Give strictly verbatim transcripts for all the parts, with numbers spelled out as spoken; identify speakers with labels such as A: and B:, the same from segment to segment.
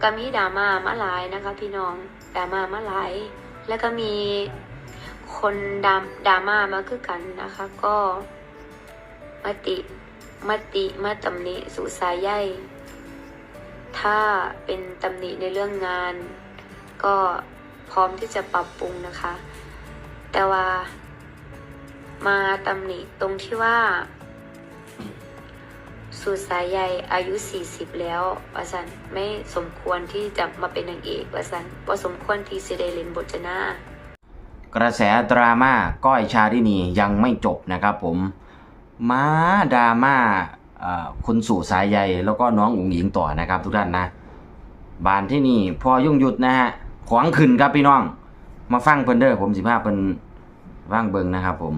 A: ก็มีดราม่ามาหลายนะคะพี่น้องดราม่ามาหลายแล้วก็มีคนดราดราม่ามาคือกันนะคะ ก็มติมติมาตำหนิสุสายใยถ้าเป็นตำหนิในเรื่องงาน ก็พร้อมที่จะปรับปรุงนะคะ แต่ว่ามาตำหนิตรงที่ว่าสุสายใยอายุสี่สิบแล้วว่าสันไม่สมควรที่จะมาเป็นนางเอกว่าสันว่าสมควรที่จะได้เล่นบทนาก
B: ระแสดราม่าก้อยชาลินียังไม่จบนะครับผมมาดราม่าคุณสู่สายใยแล้วก็น้องอุ๋งหญิงต่อนะครับทุกท่านนะบานที่นี่พอยุ่งหยุดนะฮะขวางขึ้นครับพี่น้องมาฟังเพิ่นเด้อผมสิพาเพิ่นว่างเบิงนะครับผม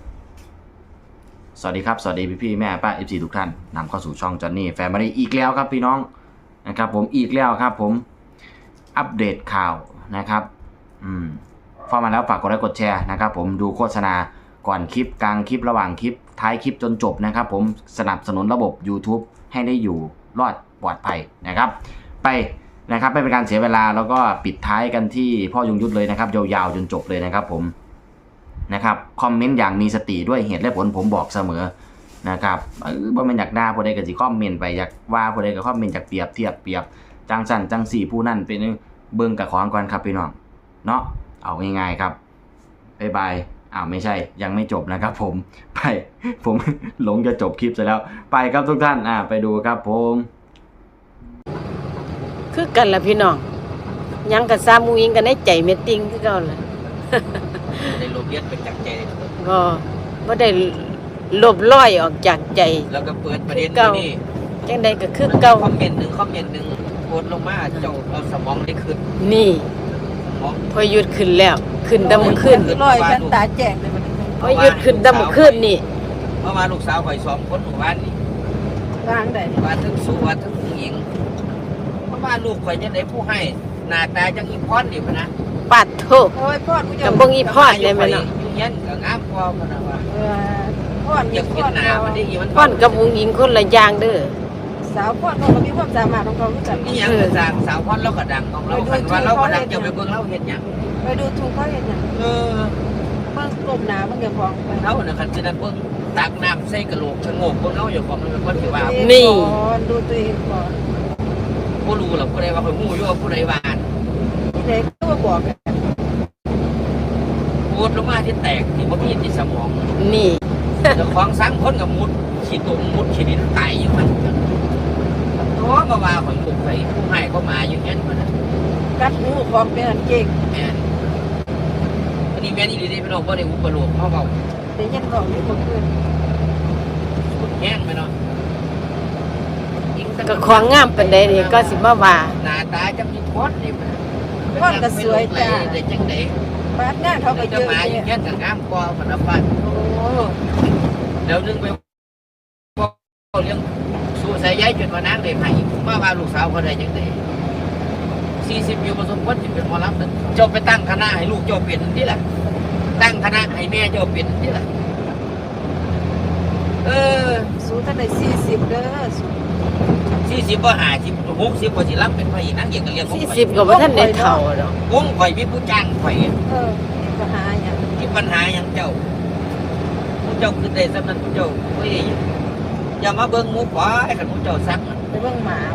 B: สวัสดีครับสวัสดีพี่พี่แม่ป้า เอฟ ซี ทุกท่านนำเข้าสู่ช่องจอนนี่แฟมิลี่อีกแล้วครับพี่น้องนะครับผมอีกแล้วครับผมอัปเดตข่าวนะครับอืมเข้ามาแล้วฝากกดไลค์กดแชร์นะครับผมดูโฆษณาก่อนคลิปกลางคลิประหว่างคลิปท้ายคลิปจนจบนะครับผมสนับสนุนระบบ YouTube ให้ได้อยู่รอดปลอดภัยนะครับไปนะครับไม่เป็นการเสียเวลาแล้วก็ปิดท้ายกันที่พ่อยงยุทธเลยนะครับยาวๆจนจบเลยนะครับผมนะครับคอมเมนต์อย่างมีสติด้วยเหตุและผลผมบอกเสมอนะครับเออบ่แม่นอยากด่าผู้ใดก็สิคอมเมนต์ไปอยากว่าผู้ใดก็คอมเมนต์จากเปรียบเทียบเปรียบจังสั่นจังสี่ผู้นั่นเป็นเบิ่งกับของก่อนครับพี่น้องเนาะเอาง่ายๆครับบ๊ายบายอ้าวไม่ใช่ยังไม่จบนะครับผมไปผมหลงจะจบคลิปซะแล้วไปครับทุกท่านอ่าไปดูครับผม
C: คือกันล่ะพี่น้องยังกับซามูอิงกันในใจเม็ดติงคือเก่าล่ะ
D: ได้ลบเลียนไปจากใจ
C: ก็บ่ได้ลบล้อยออกจากใจ
D: แล้วก็เปิดประเด็นนี้
C: จังใดก็คือเก่า
D: คอมเมนต์หนึ่งคอมเมนต์หนึ่งโพสลงมาเจ้าเอาสมองได้ขึ้น
C: นี่พอหยุดขึ้นแล้วขึ้นดำขึ้น
E: ลอยกันตาแจ้งเลยมัน
C: พอหยุดขึ้นดำขึ้นนี่
D: เมื่อวานลูกสาวข่อยสองคนหมู่บ้านนี่
E: วางได้
D: ว่าทั้งสู้ว่าทั้งผู้หญิงเมื่อวานลูกข่อยจะได้ผู้ให้หน้าตาจังอีพรนี่พะนะ
C: ปัดโทษ
E: โอ้ยพ่อกูจะ
C: กับบ่งอีพรเลยแม่เนาะ
D: อยู่เฮียนก็งามพอพะนะว่า
E: เออพ่อ
D: อยากเห็นหน้ามันได้อีมัน
C: พ่อนกับผู้หญิงคนละอย่างเด้อ
E: สาวพ่อเขาก็มีความสามารถของเขาคือกัน
D: นี่หยังก็สร้างสาวพรเราก็ดังของเราคันว่าเราก็ดังจะไปเบิ่งเราเฮ็ดหยัง
E: ไปดูถูกเขาเฮ็ดหยัง
D: เออ
E: เบิ่งกลมหน้าเบิ่งอย่าพองไป
D: เฮาน่ะคันสิได้เบิ่งตักน้ำใส่กะโหลกชะโงกเบิ่งเฮาอยู่ของมันเป็นคนที่ว่า
C: นี่
E: ดูตัวเองก่อน
D: บ่รู้หรอกผู้ใดว่าข่อยฮู้อยู่ว่าผู้ใดว่า
E: ที่ไหนก็บอก
D: ปวดลงมาที่แตกที่บ่มีที่สมอง
C: นี่
D: เจ้าของสังคนกับมุดขี้ตุ่มมุดขี้ดินตายอยู่มันโอ้มาว่าข่อยลูกไปผู้ให้ก็มาอยู่งั้นมัน
E: กัดหูของเป็นเก่ง
D: แม่นอันนี้แม่นอีหลีได้พี่น้องบ่ได้อุปโลกเฮาเว้า
E: ได้ยินบอกอยู่บ่คืน
D: สุดแห้งไปเนาะ
C: ก็ของงามปานใดนี่ก็สิมาว่า
D: หน้าตาจังมีพดนี่
E: พ่อก็สวยจ้า
D: ได้จังได๋
E: บาดหน้าเขาก็เยอะ
D: มาอยู่งั้นก็งามกว่าพนักบ้านโอ้เดี๋ยวนึงไปเลี้ยงสู่สายใยจนว่านางได้ให้มาว่าลูกสาวเขาได้จังได๋สี่สิบอยู่บ่สมควรสิเป็นหมอลำนั่นเจ้าไปตั้งคณะให้ลูกเจ้าเป็นนี่ล่ะตั้งคณะให้แม่เจ้าเป็นนี่ล่ะเออ
E: สู้ท่านได้สี่สิบเด้อ
D: สี่สิบบ่ห้าสิบ หกสิบบ่สิรับเป็นพระเอกนางเอกก็เรียก
C: สี่สิบก็บ่ทันได้เฒ่าดอก
D: วงข่อยมีผู้จ้างข่อย
E: เออมีปัญหาหยัง
D: มีปัญหาหยังเจ้าผู้เจ้าคือได้สำนั้นผู้เจ้าเฮ้ยอย่ามาเบิ่งหมู่ขวายคันผู้เจ้าซัก
E: ไปเบิ่งหมา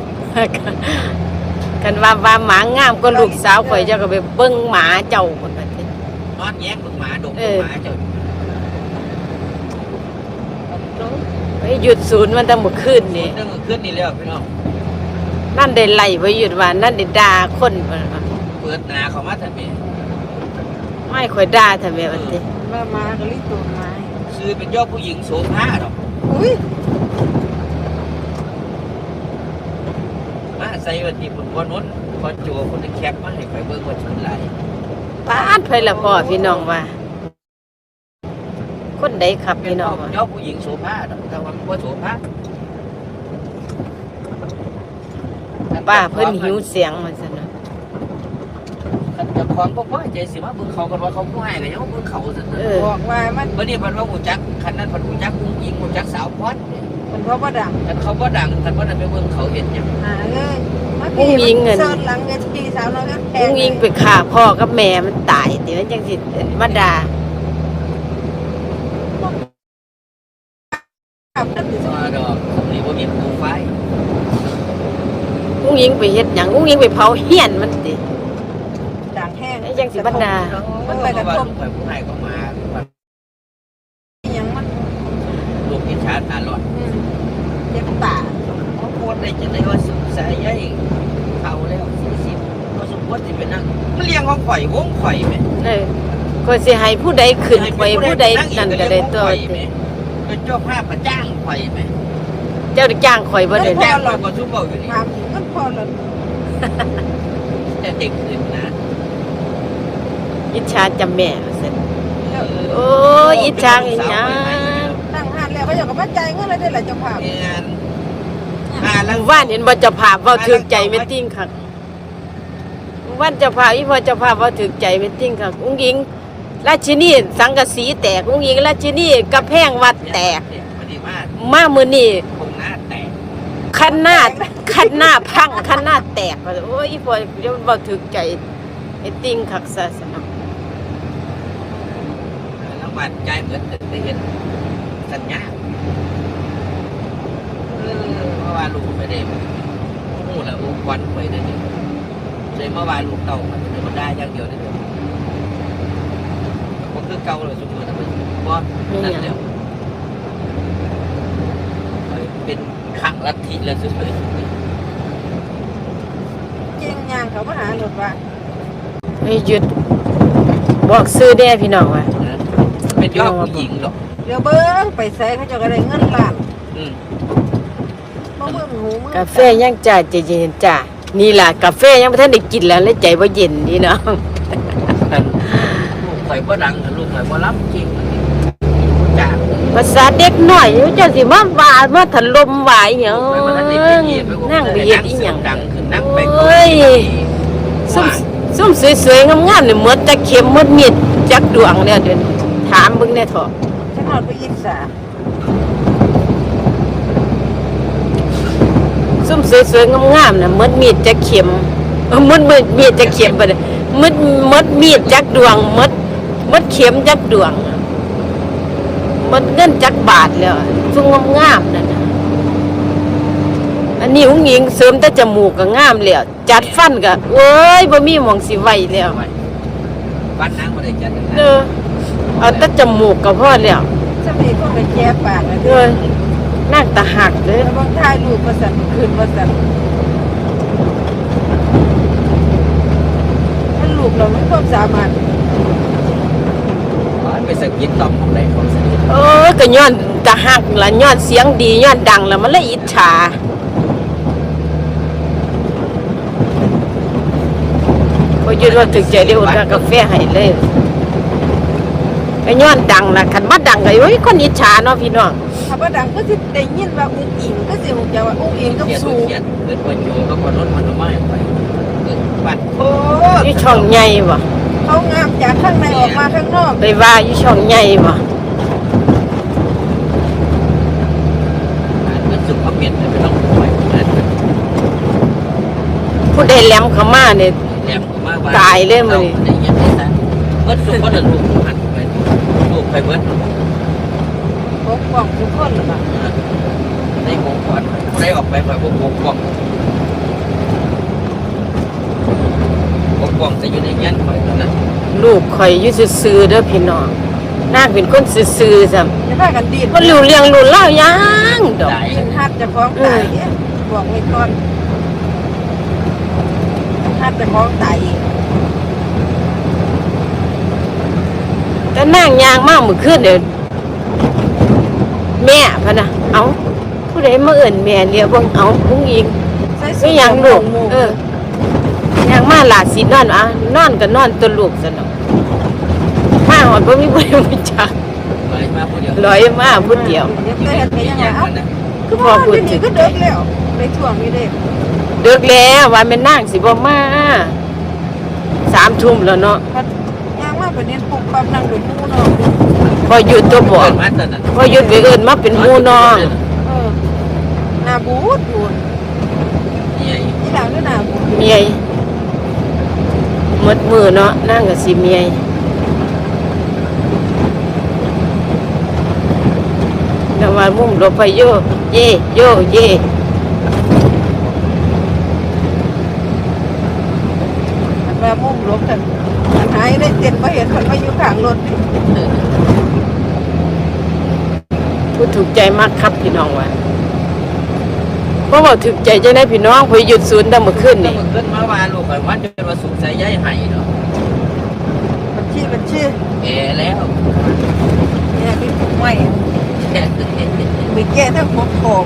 C: กันว่าว่าหมางามก็ลูกสาวข่อยเจ้าก็ไปเบิ่งหมาเจ้าพุ่นน่ะติ
D: นอนแย้งเบิ่งหมาดมหมาเจ้า
C: ไปหยุดศูนย์มันตั้งมื้อคืนนี่
D: ตั้งมื้อคืนนี่แล้วพี่น้อง
C: นั่นได้ไล่ไว้หยุดว่านั่นได้ด่าคนเ
D: ปิดหน้าเข้ามาแต่แม่
C: ไม่ค่อยด่าแต่แม่ว่าติ
E: ว่ามาก็ลิตูนไม้
D: ชื่อเป็นยอดผู้หญิงโสภาดอก
E: อุ้ย
D: มาใส่ว่าที่พุ่นบ่นู้นพอจั่วคนแคปมาให้ข่อยเบิ่งว่าชื่อหลาย
C: ปานไผล่ะพ่อพี่น้องว่าคนใดครับพี่น้อง
D: ว่ายอดผู้หญิงโสภาดอกแต่ว่าบ่โสภา
C: ป้าเพิ่นหิวเสียงมันซั่นน่ะ
D: คันเจ้าของบ่พอใจสิมาเบิ่งเขากันว่าเขาผู้ให้ก็ยังเบิ่งเขาซั่น
E: บอกว่ามัน
D: บัดนี้เพิ่นว่าฮู้จักคันนั้นเพิ่นฮู้จักผู้หญิงฮู้จักสาวพร
E: เพิ่นเพราะบ่ดัง
D: คันเขาบ่ดังคันบ่ได้ไปเบิ่งเขาเฮ็ดหยัง
E: หาเอ้ยมา
C: อุ้งอิงเงิน
E: เสิร์ชหลังเวทีสาวน้อยก็แพ
C: อุ้งอิงไปฆ่าพ่อกับแม่มันตายเดี๋ยวมันจังสิมาด่า
E: ขับรถติด
D: มาดอกนี่บ่มีผู้ไฟ
C: อุ้งอิงไปเฮ็ดหยังอุ้งอิงไปเผาเฮียนมันติ
E: ด่างแห้ง
C: ไอ้จังสิบรรดา
E: มันไปกระทบ
D: ไปผู้ให้ก็มา
E: ยังมัน
D: ลูกอิจฉาตาลอด
E: อืมเจ็บปาก
D: เขาโคตรได้จะได้ว่าสุขสายใหญ่เขาแล้วสี่สิบก็สมควรสิเป็นนั่งมันเลี้ยงของข่อยวงข่อยแม่
C: เออก็สิให้ผู้ใดขึ้นไปผู้ใดนั่นก็ได้ตัว
D: เป็นเจ้าภาพมาจ้างข่อยไหม
C: เจ้าได้จ้างข่อยบ่ได้
D: จ้างข่อยก็ทุบเบาอยู่นี่
E: ถามถึงมันพอแล้ว
D: แต่เด็กขึ้นนะ
C: อิจฉาจำแม่ว่าซั่น
E: แล้ว
C: โอ้ยอิจฉาอีหยัง
E: ตั้งหันแล้วเขาอยากกับมาจ่ายเงินอะไรได้หลายเจ้าภาพ
D: เงินอ่าแล้ว
C: ว่านเห็นบ่เจ้าภาพเว้าถึกใจแม่ติ้งคักว่านเจ้าภาพอีพ่อเจ้าภาพเว้าถึกใจแม่ติ้งคักอุ้งอิงราชินีสังกะสีแตกอุ้งอิงราชินีกระแพงวัดแตก
D: พอดีมาก
C: มามื้อนี้
D: คงหน้าแตก
C: คันหน้าคันหน้าพังคันหน้าแตกว่าโอ้ยอีพ่อเดี๋ยวเว้าถึกใจไอ้ติ้งคักซะสนอง
D: แล้วบาดใจเหมือนได้เห็นสัญญาเออเพราะว่าลูกไม่ได้หูแล้วลูกควันไปได้เลยเลยเมื่อวานลูกเต่ามันจะมาได้อย่างเดียวได้เลยก็คือเก่าเลยสมมตินะมันเพราะนั่นเดียวเป็นขังลัทธิแล้วสุดเลย
E: เก่งยางเขามาหาหลุดว่า
C: เฮ้ยหยุดบอกซื้อแด่พี่น้องว่า
D: เป็นยอดผู้หญิงหรอก
E: เดี๋ยวเบิ้งไปใส่เขาจะอะไรเงินล้าน
D: อืม
E: มาเบิ้งหูมือก
C: าแฟยังจ่าใจเย็นจ้านี่ล่ะกาแฟยังบ่ทันได้กินแล้วเลยใจบ่เย็นพี่น้อง
D: แต่ลูกข่อยบ่ดังลูกข่อยบ่รับจริงจ้า
C: ภาษาเด็กน้อยอยู่จังสิมาว่ามาถล่มว่าอีหยัง
D: ไปวันนั้นได้ไปเหยียบไป
C: นั่งไปเหยียบอีหยัง
D: ดังขึ้นนั่งไป
C: โอ้ย ซุ่มซุ่มสวยๆงามๆนี่หมดจักเข็มหมดมีดจักดวงแล้วเดี๋ยวนี้ถามเบิ่งแน่เถาะ
E: ฉันนอนไปอิจฉา
C: ซุ่มสวยๆงามๆน่ะหมดมีดจักเข็มเออหมดมีดมีดจักเข็มบ่ได้หมดหมดมีดจักดวงหมดหมดเข็มจักดวงหมดเงินจักบาทแล้วซุ่มงามๆนั่นน่ะอันนี้อุ้งอิงเสริมแต่จมูกก็งามแล้วจัดฟันก็โอ้ยบ่มีหม่องสิไว้แล้ว
D: วัดนางบ่ได้จัด
C: เออเอาแต่จมูกก็พอแล้ว
E: สมัยก็ไปแก้ปากนะ
C: เออนั่งตาหักเด้อ
E: แล้วบางท่ายลูกประสันคืนประสันถ้าลูกเราไม่ควบสามารถ
D: ไปสกิดต่อมของใดของสนิท
C: เออก็ย้อนตาหักล่ะย้อนเสียงดีย้อนดังแล้วมันเลยอิจฉาพอยืนว่าถึกใจเดียวอุ่นกาแฟให้เลยก็ย้อนดังล่ะคันบ่ดังก็โอ้ยคนอิจฉาเนาะพี่น้อง
E: ถ้าว่าดังก็จะได้ยินว่าอุ้งอิงก็สิหูจะว่าอุ้งอิงก็
D: เขียน
E: สูง
D: เขียนเกิดวันโยก็คนรถมันไม่ไปเกิดบัดโอ้
C: อยู่ช่องใหญ่บ่
E: เขางามจากข้างในออกมาข้างนอก
C: ไปว่าอยู่ช่องใหญ่บ่
D: มันสุขเขาเปลี่ยนไปต้องไปนั่น
C: ผู้ใดแหลมเข้ามาเนี่ย
D: แหลมมาว่า
C: ตายเลยมื้อนี้
D: ได้ยินได้ซะเบิดสุขก็เดินลูกหันไปลูกไปเบิด
E: ปกป้องทุกคนหรือเปล่า
D: ได้โมก่อนได้ออกไปไปพวกปกป้องปกป้องจะอยู่ในยันคอยนั่นนะ
C: ลูกข่อยอยู่ซื่อๆเด้อพี่น้องนางเป็นคนซื่อๆซ้ำ
E: จะพากันดีด
C: บ่รู้เรื่องรู้เล่าวหยังดอก
D: ได้
E: กินฮัดจะฟ้องตายเนี่ยบอกไว้ก่อนฮัดจะฟ้องตายอีก
C: แต่นางยางมากมื้อคืนเด้อแม่พะนะเอ้าผู้ใดมาเอิ้นแม่เรียกเบิ่งเอ้าผู้หญิง
E: ใส่
C: ไม่หยังลูกเออ ยังมาหลาสินอนอ่ะนอนก็นอนตัวลูกซะเนาะมาหอดบ่มีบ่ได้รู้จัก
D: เลยมาผู้เดียว
C: ลอยมาผู้เดียว
E: เดี๋ยวเฮ็ดไปยังไงเอ้า
D: นะ
E: คือพ่อพูดถึงก็เดิกแล้วไปถ่วงนี่เด้
C: ดึกแล้วว่าแม่นางสิบ่มาสามทุ่มแล้วเนาะ
E: พัดย่างมาประเด็นปุกปั๊บนั่งดูมูเนาะ
C: พอหยุดตัวบอก
D: เกิดมาตอนนั้น
C: พอหยุดไปเอิ้นมาเป็นหมู่น้อง
E: เออหน้าบูดบูด
D: นี่ไง
E: ยที่หลังด้วยนะ
C: เมียหมดมือเนาะนั่งก็สิเมียแต่ว่ามุ่งรถไปโยเย่โยเย่
E: มันมามุ่งลบกันมันหายได้เจ็ดมาเห็นคนมาอยู่ข้างรถ
C: ผู้ถูกใจมากครับพี่น้องว่ะเพราะว่าถูกใจจะได้พี่น้องพอหยุดศูนย์ตั้งเมื่อคืน
D: นี่
C: นี่
D: ขึ้นมาว่าลูกข่อยมันจะมาสุขใส่ย้ายให้เนาะ
E: มันชื่อมันชื่อ
D: แก่แล้ว
E: เนี่ยมีผมใหม่มีแก่ทั้งหมดของ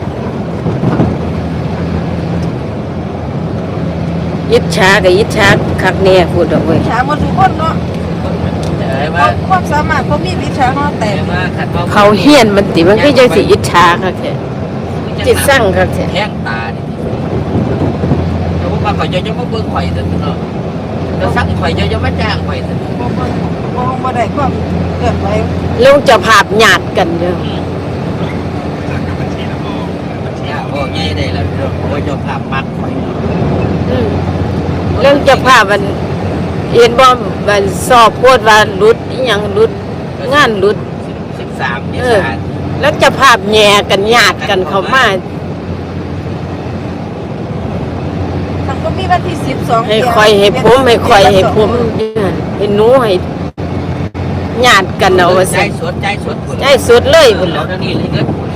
C: ยิดช้ากับยิดช้าคักแน่พูดออกเว้ย
E: วิชาหมดทุกคนเนาะ
D: แต่
E: ค
D: ว่า
E: วามความสามารถเขามีวิชาเขาแต่
D: แต่ว่าขัด
C: เขาเฮียนมันติมันก็ยังสิยิดช้าคักแท้จิตสร้างคักแท้
D: แห้งตาดิแต่ว่าข่อยจะจะมาเบิ่งข่อยแต่เนาะแล้วสั่งข่อยจะจะมาจ้างข่อยแต่
E: บ่บ่บ่บ่ได้ความเกิดไว้
C: ลงจะภาพหยาดกันเด้อ
D: เนี่ยโอ้ยได้แล้วเนาะโอ้ยจะภาพมักข่อย
C: อืมเรื่องจะภาพมันเห็นบ่มันสอบโพดว่าหลุดอีหยังหลุดงานหลุด
D: สิบสามเม
C: เออ
D: ษายน
C: แล้วจะภาพแย่กันหยาดกันเข้ามา
E: มันก็มีวันที่สิบสอง
C: ให้คอยให้ผมให้คอยให้ผมให้หนูให้ญาติกันเอาว่า
D: ใจ
C: สิ
D: สดใจสด
C: ใจสุดเลย
D: คุ
C: พุ่
D: ณ
C: น
D: เรา
C: ล่ะ
D: เดี๋ยวนี้เลยเงิน